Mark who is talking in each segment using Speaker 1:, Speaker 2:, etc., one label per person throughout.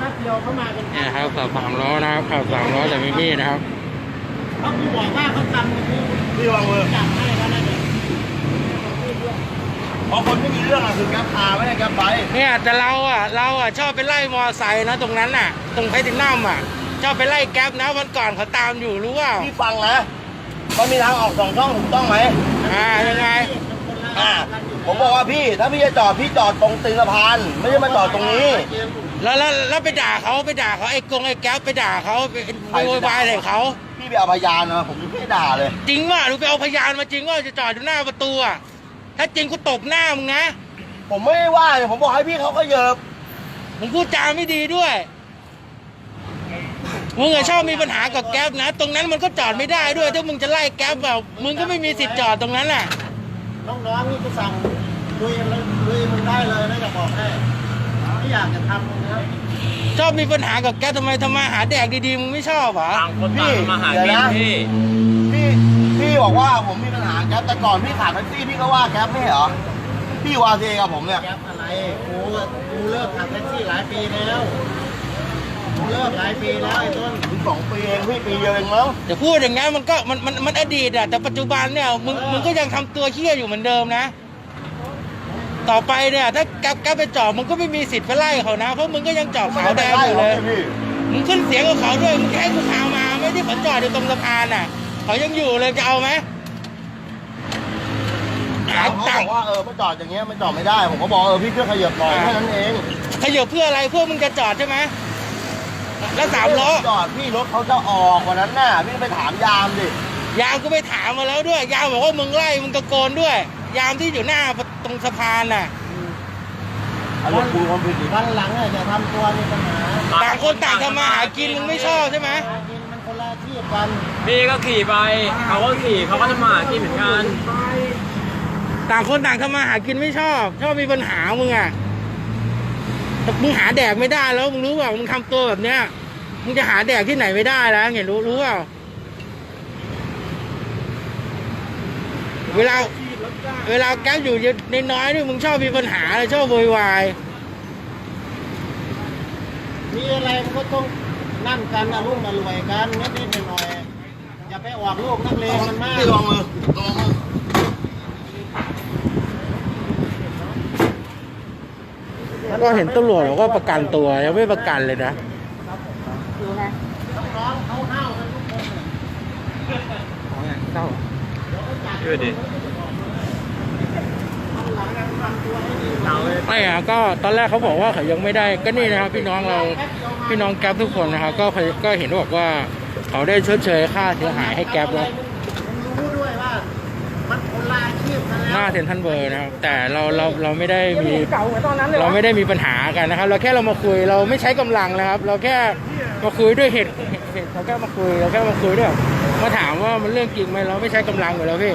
Speaker 1: ป๊บเดียวเขามาเป็น
Speaker 2: เนี่ยครับขับ3 ล้อนะครับขับ3 ล้อแต่ไม่มีนะครับ
Speaker 1: เขาบอกว่าเขาทำกันที่
Speaker 3: พี่วางมือ
Speaker 1: จับให้แล้วนะเนี่ย
Speaker 3: พอคนไม่มีเรื่องอะคือแก๊ปพาไม่ได้แก๊ปไป
Speaker 2: เนี่ยแต่เราชอบไปไล่มอไซค์นะตรงนั้นน่ะตรงไพตินัมอ่ะชอบไปไล่แก๊ปนะวันก่อนเขาตามอยู่รู้ว่า
Speaker 3: พี่ฟังนะมันมีทางออก2 ช่องถูกต้องไหม
Speaker 2: ยังไง
Speaker 3: ผมบอกว่าพี่ถ้าพี่จะจอดพี่จอดตรงตีนสะพานไม่ใช่มาจอดตรงนี้
Speaker 2: แล้วไปด่าเขาไอ้แก๊ปไปด่าเขาไปโวยวายใส่เขา
Speaker 3: พี่ไปเอาพยานนะผมไม่ได้ด่าเลย
Speaker 2: จริงว่าหนูไปเอาพยานมาจริงว่าจะจอดอยู่หน้าประตูอ่ะถ้าจริงกูตบหน้ามึงนะ
Speaker 3: ผมไม่ได้ว่าเลยผมบอกให้พี่เขาก็เยิบ
Speaker 2: มึงพูดจาไม่ดีด้วยมึงชอบมีปัญหากับแก๊ปนะตรงนั้นมันก็จอดไม่ได้ด้วยถ้ามึงจะไล่แก๊ปแบบมึงก็ไม่มีสิทธิ์จอดตรงนั้นแหละ
Speaker 1: น้องๆนี่ก็สั่งลุยมันได้เลยนะจะบอกให้ไม่อยากจะทำนะ
Speaker 2: ชอบมีปัญหากับแก๊ปทำไมทำมาหาแดกดีๆมึงไม่ชอบเหรอ
Speaker 3: พี่มาหากินพี่บอกว่าผมมีปัญหาแก๊ปแต่ก่อนพี่ขับแท็กซี่พี่ก็ว่าแก๊ปไม่เหรอพี่ว่าเองกับผมเนี่ย
Speaker 1: แก๊ปอะไรกูเลิกขับแท็กซี่หลายปีแล้วเลิกหลายปีแล้วไอ้ต้น
Speaker 3: ถึง2 ปีเองพี่ปีเดียวเองมั้ง
Speaker 2: จะพูดอย่างงั้นมันก็มันอดีตอะแต่ปัจจุบันเนี่ยมึงก็ยังทำตัวเหี้ยอยู่เหมือนเดิมนะต่อไปเนี่ยถ้าแก๊ปไปจอดมึงก็ไม่มีสิทธิ์ไปไล่เขานะเพราะมึงก็ยังจอดขาวแดงอยู่เลยมึงขึ้นเสียงกับเขาด้วยมึงแค่กูพามาไม่ได้เขาจอดอยู่ตรงสะพานน่ะเขายังอยู่เลยจะเอาไหม
Speaker 3: เขาบอกว่าไม่จอดอย่างเงี้ยมันจอดไม่ได้ผมก็บอกพี่ช่วยขยับหน่อยแค่นั้นเอง
Speaker 2: ขยับเพื่ออะไรเพื่อมึงจะจอดใช่ไหมแล้ว3 ล้อ
Speaker 3: จอดพี่รถเขาจะออกวันนั้นน่ะพี่ไปถามยามดิ
Speaker 2: ยามก็ไปถามมาแล้วด้วยยามบอกว่ามึงไล่มึงตะโกนด้วยยามที่อยู่หน้าตรงสะพานน่ะ
Speaker 1: วันหลังจะทำตัวมีปัญหา
Speaker 2: ต่างคนต่างทำมาหากินมึงไม่ชอบใช่ไหม
Speaker 1: มันคนละที่กัน
Speaker 4: พี่ก็ขี่ไปเขาก็ขี่เขาก็ทำมาหากินเหมือนกัน
Speaker 2: ต่างคนต่างทำมาหากินไม่ชอบมีปัญหามึงอ่ะมึงหาแดกไม่ได้แล้วมึงรู้เปล่ามึงทำตัวแบบเนี้ยมึงจะหาแดกที่ไหนไม่ได้แล้วเห็นรู้เปล่าเวลาแก๊ปอยู่ในน้อยนี่มึงชอบมีปัญหาเลยชอบโวยวาย
Speaker 1: มีอะไรมันก็ต้องนั่นกันนะลูกมารวยกันนิดหน่อยอย่าไปออกลูกนักเลงมันมาก
Speaker 3: ลองมือ
Speaker 2: ก็เห็นตำรวจบอกว่าประกันตัวยังไม่ประกันเลยนะ
Speaker 1: ดูนะน้องเขาเน่ากันทุกคน
Speaker 2: เน่า
Speaker 4: ช่วยดิ
Speaker 2: ไม่อะก็ตอนแรกเขาบอกว่าเขายังไม่ได้ก็นี่นะครับพี่น้องแก๊ปทุกคนนะครับก็เห็นบอกว่าเขาได้ชดเชยค่าเสียหายให้แก๊ปแล้ว
Speaker 1: รู้ด้วยว่ามันคนละอาชีพกันแล้ว
Speaker 2: หน้าเซ็นทรัลเวิลด์นะครับแต่เราไม่ได้มีปัญหากันนะครับเราแค่เรามาคุยเราไม่ใช้กำลังนะครับเราแค่มาคุยด้วยเหตุเราแค่มาคุยด้วยมาถามว่ามันเรื่องจริงไหมเราไม่ใช้กำลังอยู่แล้วพี่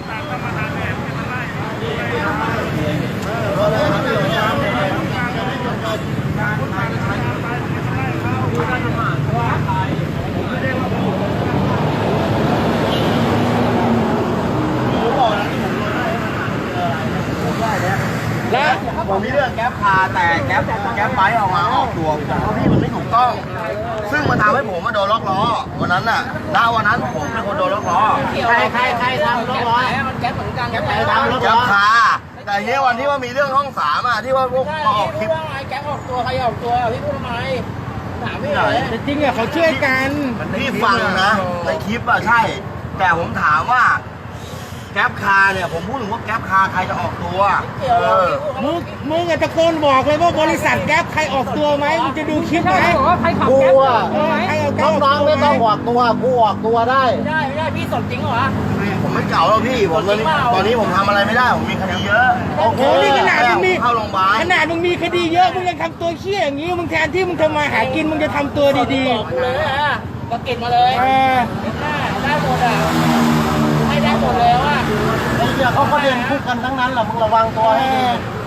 Speaker 3: แล้วผมมีเรื่องแก๊ปพาแต่แก๊ปไบค์ออกตัวเพราะพี่มันไม่ถูกต้องซึ่งมันทำให้ผมมาโดนล็อกล้อวันนั้นน่ะวันนั้นผมเป็นคนโดนล็อกล้อ
Speaker 1: ใครทำล็อกล้อมันแก๊ปเหมือนกันใครทำล็อกล้อ
Speaker 3: แก๊ปพาแต่เนี้ยวันที่ว่ามีเรื่องห้อง3ที่ว่าพวกมาออกคลิป
Speaker 1: แก๊ปออกตัวใครออกตัวพี่พูดทำไมถามไม่ไหน
Speaker 2: จริงอะเขาช่วยกัน
Speaker 3: พี่ฟังนะในคลิปใช่แต่ผมถามว่าแก๊ปคาเนี่ยผมพูดถึงว่าแก๊ปคาใครจะออกตัว
Speaker 2: มึงตะโกนบอกเลยว่าบริษัทแก๊ปใครออกตัวไหมมึงจะดูคลิปไหม
Speaker 1: ใครขับแก๊ปน้องไม่ต้องออกตัวกูออกตัวได้ไม่ได้พี่สดจริงเหรอ
Speaker 3: ผมไม่เก่าแล้วพี่ผมตอนนี้ผมทำอะไรไม่ได้ผมมีคดีเยอะ
Speaker 2: โอ้โหนี่ขนาดมึงมี
Speaker 3: เข้าโรงพยาบาล
Speaker 2: ขนาดมึงมีคดีเยอะมึงยังทำตัวเชี่ยอย่างนี้มึงแทนที่มึงทำมาหากินมึงจะทำตัวดี
Speaker 1: ๆเลยอ่ะก็เก็บมาเลยได้หมดอ่ะให้ได้หมดเลยว่าเขาก็เดินคู่กันทั้งนั้นแหละมึงระวังตัวให้ดี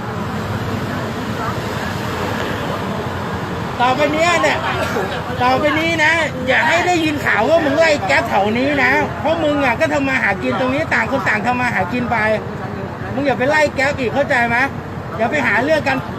Speaker 2: ต่อไปนี้นะอย่าให้ได้ยินข่าวว่ามึงไล่แก๊ปแถวนี้นะเพราะมึงอ่ะก็ทำมาหากินตรงนี้ต่างคนต่างทำมาหากินไปมึงอย่าไปไล่แก๊ปอีกเข้าใจไหมอย่าไปหาเรื่องกัน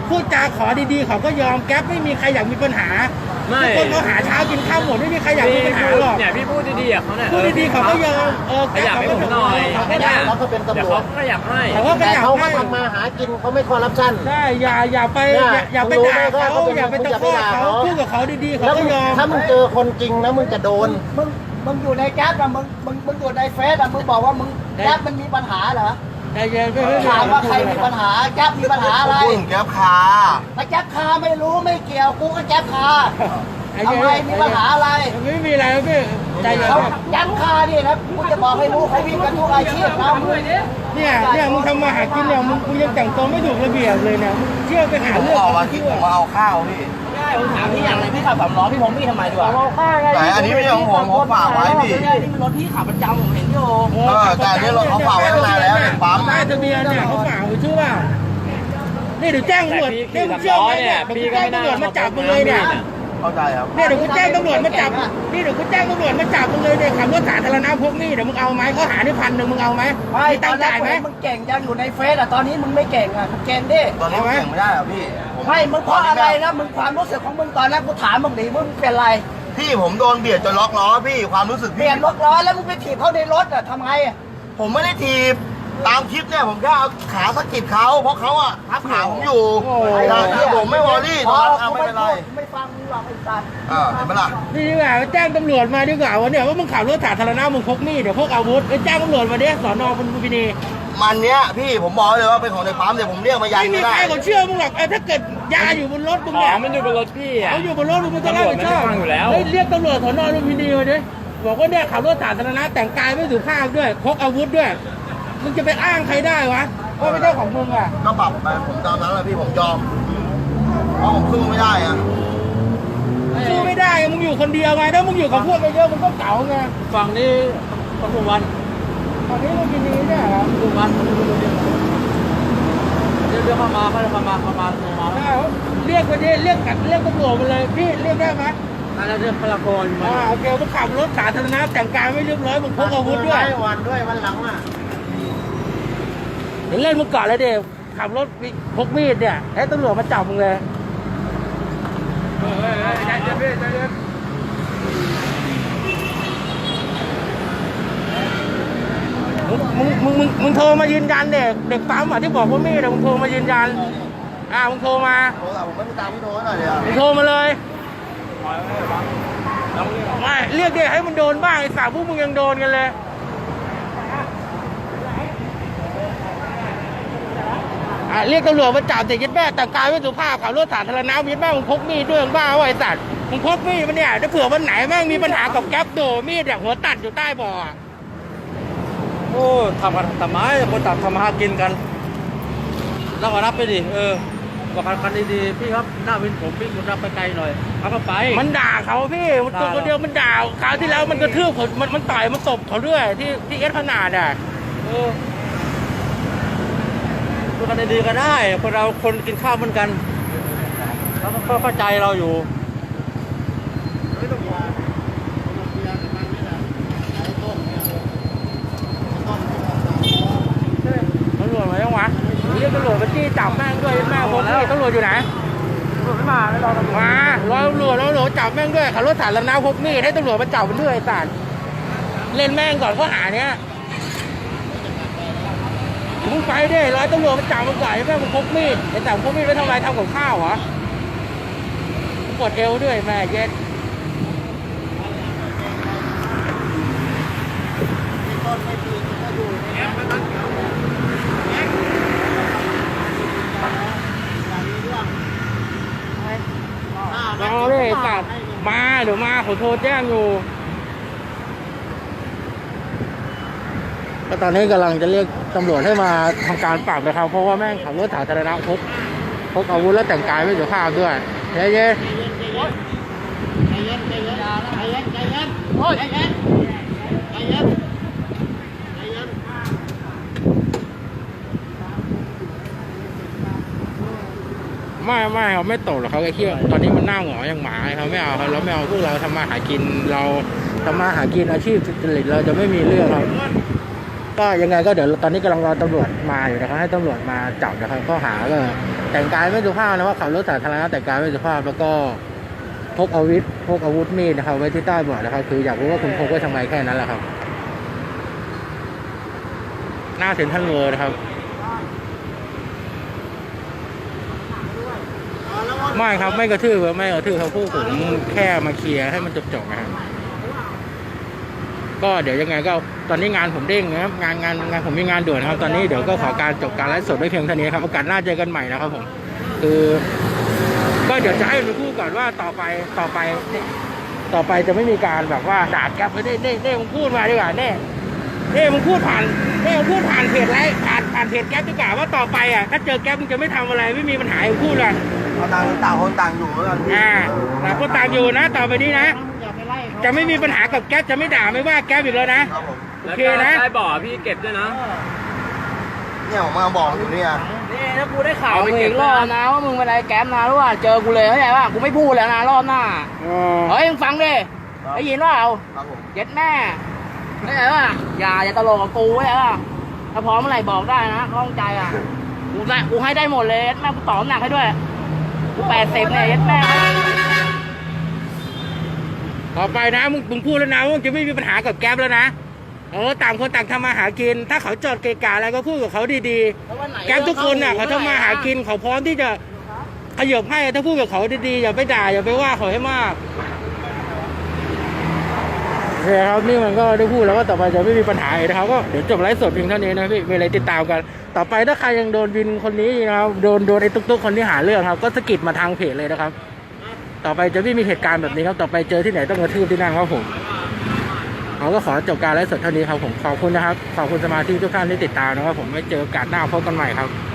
Speaker 2: พูดจาขอดีๆเขาก็ยอมแก๊ปไม่มีใครอยากมีปัญหา
Speaker 4: ไม่
Speaker 2: ทุกคนเขาหาเช้ากินข้าวหมดไม่มีใครอยากมีปัญหาหรอก
Speaker 4: เนี่ยพี่พูดดีๆกับเขาเนี่ย
Speaker 2: พูดดีๆเขาก็ยอม
Speaker 4: ขยับให้ผมหน่อย
Speaker 2: เขาก็
Speaker 4: เนี่ย
Speaker 1: แล้วก็เป็นตำรวจ
Speaker 4: เดี๋ยวเขาขยับให้
Speaker 2: เขาก็ข
Speaker 1: แต่
Speaker 2: ยับ
Speaker 1: เขาก็
Speaker 2: ให้
Speaker 1: ทำมาหากินเขาไม่คอร์รัปชัน
Speaker 2: ใช่อย่าไปอย่าไปด่าเขาอย่าไปตะคอกเขาพูดกับเขาดีๆเขา
Speaker 1: แล้ว
Speaker 2: ก็ยอม
Speaker 1: ถ้ามึงเจอคนจริงนะมึงจะโดน
Speaker 5: มึงอยู่ในแก๊ปอะมึงอยู่ในเฟซอะมึงบอกว่ามึงแก๊ปมันมีปัญหาเหรอ
Speaker 2: ใจเย็นไม่
Speaker 5: ถามว่าใครมีปัญหาแก๊ปมีปัญหาอะไร
Speaker 3: พูดถึงแก๊ปคา
Speaker 5: ถ้าแก๊ปคาไม่รู้ไม่เกี่ยวกูก็แก๊ปคาทำไมมีปัญหาอะไร
Speaker 2: ไม่มีอะไรพี่ใจเย็น
Speaker 5: เขาแก๊ปคานี่นะกูจะบอกให้รู้เขาวิ่งกันทุกอาชีพนะมึง
Speaker 2: เนี่ยมึงทำมาหากินเนี่ยมึงยังแต่งตัวไม่ถูกระเบียบเลยเนี่ยมึงเที่ยวไปหา
Speaker 3: ผม
Speaker 2: เรื่อง
Speaker 3: ออกมาคิดผมมาเอาข้าวพี่
Speaker 5: ผมถามพี่อย่างไรพี่ขับ3 ล้อพี่ผมพี่ทำไมดีกว่า
Speaker 3: แต่อันนี้ไม่ใช่ของผมฝากไว้พี่
Speaker 5: ไม่ใช่นี่มันรถพี่ขับประจำผมเห็นอยู่
Speaker 3: แต่อันนี้รถเขาฝากไว้ตั้งนานแล้วในปั๊ม
Speaker 2: ป้ายทะเบียนเนี่ยเขาฝากไว้ชื่อว่านี่เดี๋ยวแจ้งตำรวจเนี่ยมึงเชื่อไหมเนี่ยเดี๋ยวกูแจ้งตำรวจมาจับมึงเลยเนี่ย
Speaker 3: เข้าใจครับ
Speaker 2: เนี่ยเดี๋ยวกูแจ้งตำรวจมาจับนี่เดี๋ยวกูแจ้งตำรวจมาจับมึงเลยเนี่ยขับรถสาธารณะพกมีดเดี๋ยวมึงเอาไหมเขาหาได้1,000มึงเอาไหม
Speaker 5: ไม่
Speaker 2: มี
Speaker 5: ต
Speaker 2: ตั
Speaker 5: อง น
Speaker 2: ค์
Speaker 5: แรก
Speaker 2: จ่ายไหม
Speaker 5: มึงเก่งจังอยู่ในเฟซอะตอนนี้มึงไม่เก่งอะมึงเก่งดิ
Speaker 3: ตอนนี้ผมเก่งไม่ได้หรอพี่
Speaker 5: ไม่มึงเพราะอะไรนะมึงความรู้สึกของมึงตอนแรกกูถามมึงดิมึงเป็นไร
Speaker 3: พี่ผมโดนเบียดจนล็อกล้อพี่ความรู้สึก
Speaker 5: เปลี่
Speaker 3: พี่
Speaker 5: ยนรถร้อยแล้วมึงไปถีบเขาในรถอะทำไงอะ
Speaker 3: ผมไม่ได้ถีบตามคลิปเนี่ยผมแค่เอาขาสะกิดเขาเพราะเขาอะทับขาผมอยู่แต่ที่ผมไม่วอรี่ตอนนั้นไม่เป็นไร
Speaker 5: กูไม่ฟังมึงหรอกไอ้สัตว์
Speaker 3: เห็นไหมล่ะ
Speaker 2: นี่ดีกว่าแจ้งตำรวจมาดีกว่าว่าเนี่ยว่ามึงขับรถสาธารณะมึงพกมีดเดี๋ยวพกอาวุธไปแจ้งตำรวจมาดิสอนอพลุมพินี
Speaker 3: มันเนี้ยพี่ผมบอกเลยว่าเป็นของในปั๊มเดี๋ยวผมเรียกมายัน
Speaker 2: ไม่มี
Speaker 3: ไม่
Speaker 2: ใค
Speaker 3: ได้
Speaker 2: รเขาเชื่อมึงหรอกถ้าเกิดยาอยู่บนรถมึง
Speaker 4: ขอ
Speaker 2: เนี่ย
Speaker 4: งมันอยู่บนรถพี่อ่ะ
Speaker 2: เขาอยู่บนรถมึงจะรับผิดชอบ
Speaker 4: ตำรวจไม่ได้ฟังอยู่แล้ว
Speaker 2: เฮ้ยเรียกตำรวจสอนอลุมพินีมาดิบอกว่าเนี่ยขับรถสาธารณะแต่งกายไม่สุภาพด้วยพกอาวุธด้วยมึงจะไปอ้างใครได้วะว่าไม่ใช่ของมึงอ่ะ
Speaker 3: ก็ปรับไปผมตามนั้นแหละพี่ผมยอมเพราะผมสู้ไม่ได้อะ
Speaker 2: สู้ไม่ได้มึงอยู่คนเดียวไงถ้ามึงอยู่กับพวกเยอะๆมึงก็เก๋าไง
Speaker 4: ฝั่งนี้ปทุมวัน
Speaker 2: ตอนนี้ลุมพินีเนี่ยเหรอ
Speaker 4: ปทุมวันเรียกเข้ามาเข้ามา
Speaker 2: เอาเรียกไปดิเรียกตำรวจมาเลยพี่เรียกได้ไหม
Speaker 4: แล้วเรียกพลากรมา
Speaker 2: โอเคมึงขับรถสาธารณะแต่งกายไม่เรียบร้อยมึงพกอาวุธด้วย
Speaker 1: วันด้วยวันหลังอ่ะ
Speaker 2: เดี๋ยวเล่นมึงก่อนเลยเด็กขับรถพกมีดเนี่ยให้ตำรวจมาจับมึงเลยมึงโทรมายืนยันเด็กปั๊มอ่ะที่บอกว่ามีดมึงโทรมายืนยันมึงโทรมา
Speaker 3: โทรศัพท์ผมไม่ได้ตามพี่โทรหน่อยเดียว
Speaker 2: มึงโทรมาเลยไม่เรียกเด็กให้มันโดนบ้างไอ้สาวพวกมึงยังโดนกันเลยเรียกตำรวจมาจับเด็กยัดแม่แต่งกายไม่สุภาพขับรถสาธารณะยัดแม่มึงพกมีดด้วยมึงบ้าวะไอ้สัตว์มึงพกมีดมันเนี่ยถ้าเผื่อวันไหนแม่งมีปัญหากับแก๊ปโดมีดหัวตัดอยู่ใต้เบ่อ
Speaker 4: โอ้ทำกันทำไมคนต่างทำมาหากินกันแล้วก็รับไปดิบอกกันดีๆพี่ครับหน้าวินผมวิ่งคุณรับไปไกลหน่อยเอาก็ไป
Speaker 2: มันด่าเขาพี่มันตัวคนเดียวมันด่าคราวที่แล้วมันกระทืบมันต่อยมันตบเขาด้วยที่เอสพนาดอ่ะ
Speaker 4: พูดกันดีๆก็ได้คนเราคนกินข้าวเหมือนกันแล้วก็เข้าใจเราอยู่
Speaker 2: ตำรวจมายังวะเรียกตำรวจมาจี้จับแม่งด้วยแม่ผมนี่ตำรวจอยู่ไหนมารอตำรวจจับแม่งด้วยขับรถสาธารณะพกมีดให้ตำรวจมาจับมันด้วยไอ้สัตว์เล่นแม่งก่อนข้อหาเนี้ยมึงไปดิร้อยตำรวจมาจับมึงก่อนไอ้แม่มึงพกมีดไอ้แต่พกมีดไปทำอะไรทำกับข้าวเหรอปวดเอวด้วยแม่เย็ดรอเลยตัดมาเดี๋ยวมาเขาโทรแจ้งอยู่ก็ตอนนี้กำลังจะเรียกตำรวจให้มาทำการปรับนะครับเพราะว่าแม่งขับรถสาธารณะพกอาวุธแล้วแต่งกายไม่สุภาพด้วยเย้ไม่เขาไม่ตกหรอกเขาแค่เที่ยวตอนนี้มันหน้าหงออย่างหมาเขาไม่เอาเราไม่เอาพวกเราทำมาหากินเราทำมาหากินอาชีพสุจริตเราจะไม่มีเรื่องครับก็ยังไงก็เดี๋ยวตอนนี้กำลังรอตำรวจมาอยู่นะครับให้ตำรวจมาจับนะครับข้อหาก็แต่งกายไม่สุภาพนะว่าขับรถสาธารณะแต่งกายไม่สุภาพแล้วก็พกอาวุธมีดนะครับไว้ที่ใต้เบาะนะครับคืออยากรู้ว่าคุณพกไว้ทำไมแค่นั้นแหละครับหน้าเซ็นทรัลเวิลด์นะครับไม่ครับไม่กระทืบครับพวกผมแค่มาเคลียร์ให้มันจบนะครับก็เดี๋ยวยังไงก็ตอนนี้งานผมเด้งนะครับงานผมมีงานด่วนนะครับตอนนี้เดี๋ยวก็ขอการจบการไลฟ์สดไว้เพียงเท่านี้ครับโอกาสหน้าเจอกันใหม่นะครับผมคือก็เดี๋ยวจะให้ไปพูดก่อนว่าต่อไปจะไม่มีการแบบว่าด่าแก๊ปไม่ได้มึงพูดมาดีกว่านี่มึงพูดผ่านเพจไลฟ์ผ่านเพจแก๊ปดีกว่าว่าต่อไปอ่ะถ้าเจอแก๊ปมึงจะไม่ทำอะไรไม่มีปัญหามึงพูดเลย
Speaker 3: เอาต่างคนต่างอยู่แล้วกันพี่
Speaker 2: ต่างคนต่างอยู่นะต่อไปนี้นะจะไม่มีปัญหากับแก๊ปจะไม่ด่าไม่ว่าแก๊ปอีกแล้วนะครับ
Speaker 3: ผม
Speaker 2: โอเคนะ
Speaker 4: ได้บ่อพี่เก็บด้วยนะ
Speaker 3: เนี่ยผมมาบอกอยู่เนี่ย
Speaker 5: นี่ถ้ากูได้ข่าวมึงอีกรอบนะว่ามึงเป็นอะไรแก๊ปนะรู้ว่าเจอกูเลยเข้าใจป่ะกูไม่พูดแล้วนะรอบหน้าเฮ้ยมึงฟังดิได้ยินว่าเอา
Speaker 3: ครับผม
Speaker 5: เย็ดแม่เข้าใจป่ะอย่าตลกกับกูเข้าใจป่ะถ้าพร้อมเมื่อไหร่บอกได้นะข้องใจอ่ะกูให้ได้หมดเลยเย็ดแม่กูต่อน้ำหนักให้ด้วยกู80เนี่ยเย็ดแม่
Speaker 2: ต่อไปนะมึงพูดแล้วนะว่ามึงจะไม่มีปัญหากับแก๊ปแล้วนะต่างคนต่างทำมาหากินถ้าเขาจอดเกะกะอะไรก็พูดกับเขาดีๆแก๊ปทุกคนน่ะเขาทำมาหากินเขาพร้อมที่จะขยับให้ถ้าพูดกับเขาดีๆอย่าไปด่าอย่าไปว่าเขาให้มากโอเคครับนี่มันก็ได้พูดแล้วว่าต่อไปจะไม่มีปัญหาอีกนะครับก็เดี๋ยวจบไลฟ์สดเพียงเท่านี้นะพี่มีอะไรติดตามกันต่อไปถ้าใครยังโดนวินคนนี้นะครับโดนไอ้ตุ๊กๆคนที่หาเรื่องครับก็สะกิดมาทางเพจเลยนะครับต่อไปจะไม่มีเหตุการณ์แบบนี้ครับต่อไปเจอที่ไหนต้องกระทืบที่นั่นครับผมเราก็ขอจบการไลฟ์สดเท่านี้ครับผมขอบคุณนะครับขอบคุณสมาชิกทุกท่านที่ติดตามนะครับผมไว้เจอโอกาสหน้าพบกันใหม่ครับ